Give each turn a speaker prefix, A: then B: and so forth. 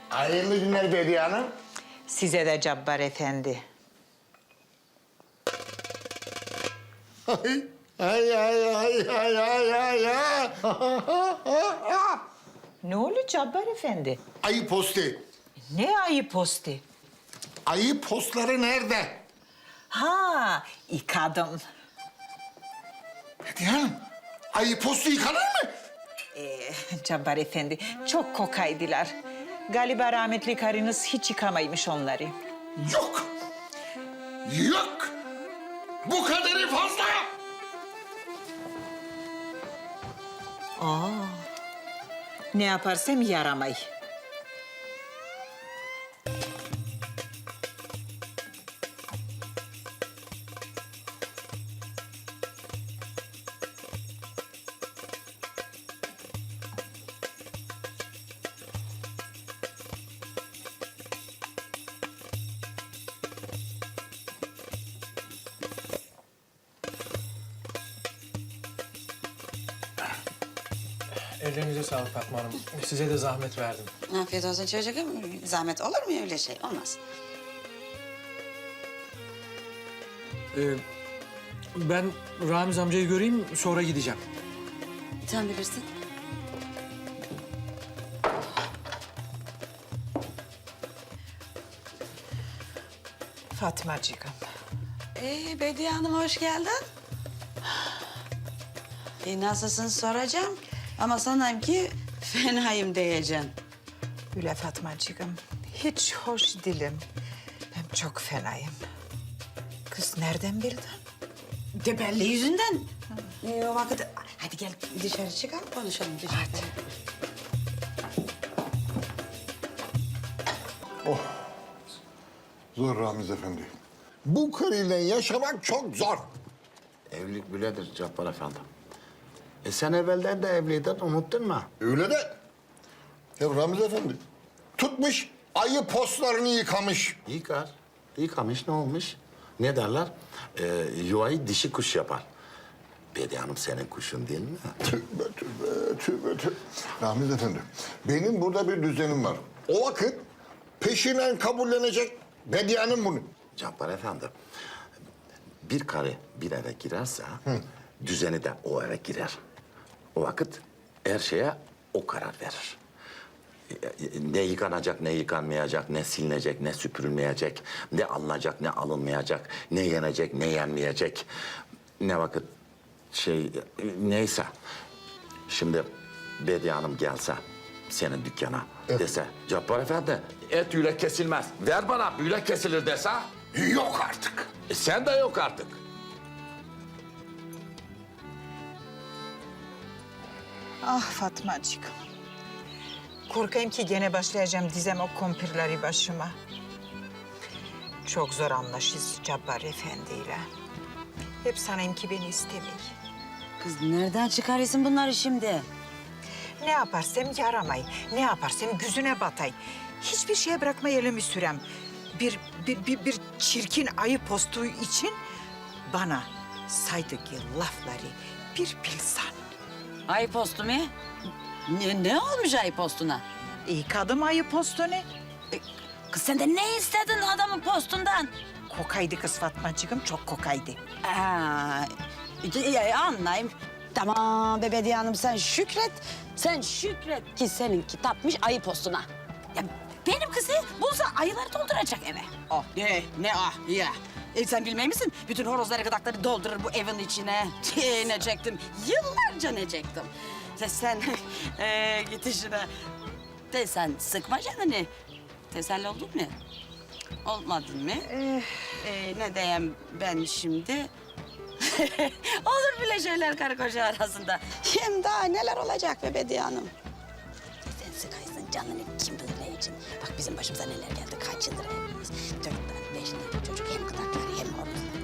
A: Hayırlı günler Bediye Hanım.
B: Size de Cabbar Efendi.
A: Ay, ay, ay, ay, ay, ay, ay, ay.
B: Ne oluyor Cabbar Efendi?
A: Ayı posti.
B: Ne ayı posti?
A: Ayı postları nerede?
B: Ha, yıkadım.
A: Bediye Hanım, ayı postu yıkanır mı?
B: Cabbar Efendi, çok kokaydılar. Galiba rahmetli karınız hiç yıkamaymış onları.
A: Yok. Yok. Bu kadarı fazla.
B: Ne yaparsam yaramay.
C: Ellerinize sağlık Fatma Hanım. Size de zahmet verdim.
D: Afiyet olsun çocuğum. Zahmet olur mu öyle şey? Olmaz.
C: Ben Ramiz amcayı göreyim, sonra gideceğim.
D: Sen bilirsin.
B: Fatmacığım.
D: Bediye Hanım hoş geldin. Nasılsın soracağım. Ama sanayım ki fenayım diyeceksin.
B: Öyle Fatmacığım, hiç hoş değilim. Hem çok fenayım. Kız nereden bildin?
D: De belli yüzünden. O vakit hadi gel dışarı çıkalım konuşalım dışarıda.
A: Zor Ramiz Efendi. Bu karıyla yaşamak çok zor.
E: Evlilik böyledir Cabbar Efendi. Sen evvelden de evliydin, unuttun mu?
A: Öyle de. Ya Ramiz Efendi tutmuş ayı postlarını yıkamış.
E: Yıkamış ne olmuş? Ne derler? Yuvayı dişi kuş yapar. Bediye Hanım senin kuşun değil mi?
A: Tövbe tövbe tövbe tövbe. Ramiz Efendi benim burada bir düzenim var. O vakit peşinen kabullenecek Bediye Hanım bunu.
E: Cabbar Efendi, bir karı bir eve girerse düzeni de o eve girer. O vakit her şeye o karar verir. Ne yıkanacak, ne yıkanmayacak, ne silinecek, ne süpürülmeyecek, ne alınacak, ne alınmayacak, ne yenecek, ne yenmeyecek. Ne vakit neyse. Şimdi Bediye Hanım gelse senin dükkana dese, Cabbar Efendi et yülek kesilmez. Ver bana yülek kesilir dese.
A: Yok artık.
E: Sen de yok artık.
B: Ah Fatmacığım. Korkayım ki gene başlayacağım dizem o kumpirleri başıma. Çok zor anlaşız Cabbar Efendi'yle. Hep sanayım ki beni istemiyor.
D: Kız nereden çıkarıyorsun bunları şimdi?
B: Ne yaparsam yaramay, ne yaparsam yüzüne batay. Hiçbir şeye bırakma elimi sürem. Bir çirkin ayı postu için bana saydığı lafları bir bilsen.
D: Ay postu mu? Ne olmuş ay postuna?
B: İyi kadın ayı postunu.
D: Kız sen de ne istedin adamın postundan?
B: Kokaydı kız Fatmacığım, çok kokaydı.
D: Anlayayım. Tamam Bediye Hanım sen şükret. Sen şükret ki seninki tapmış ayı postuna. Ya benim kızı bulsa ayıları dolduracak eve. Oh ne ya. Sen bilmey misin? Bütün horozları gıdakları doldurur bu evin içine. Ne çektim? Yıllarca ne çektim? Sen git işine. Sen sıkma canını. Teselli oldun mu? Olmadın mı? Ne diyeyim ben şimdi? Olur bile şeyler karı koca arasında. Hem daha neler olacak be Bediye Hanım? Sen sıkaysın canını kim bilir ne için. Bak bizim başımıza neler geldi. Kaç yıldır evliyiz. 4 tane, 5 tane çocuk. Hem gıdakları hem horozları.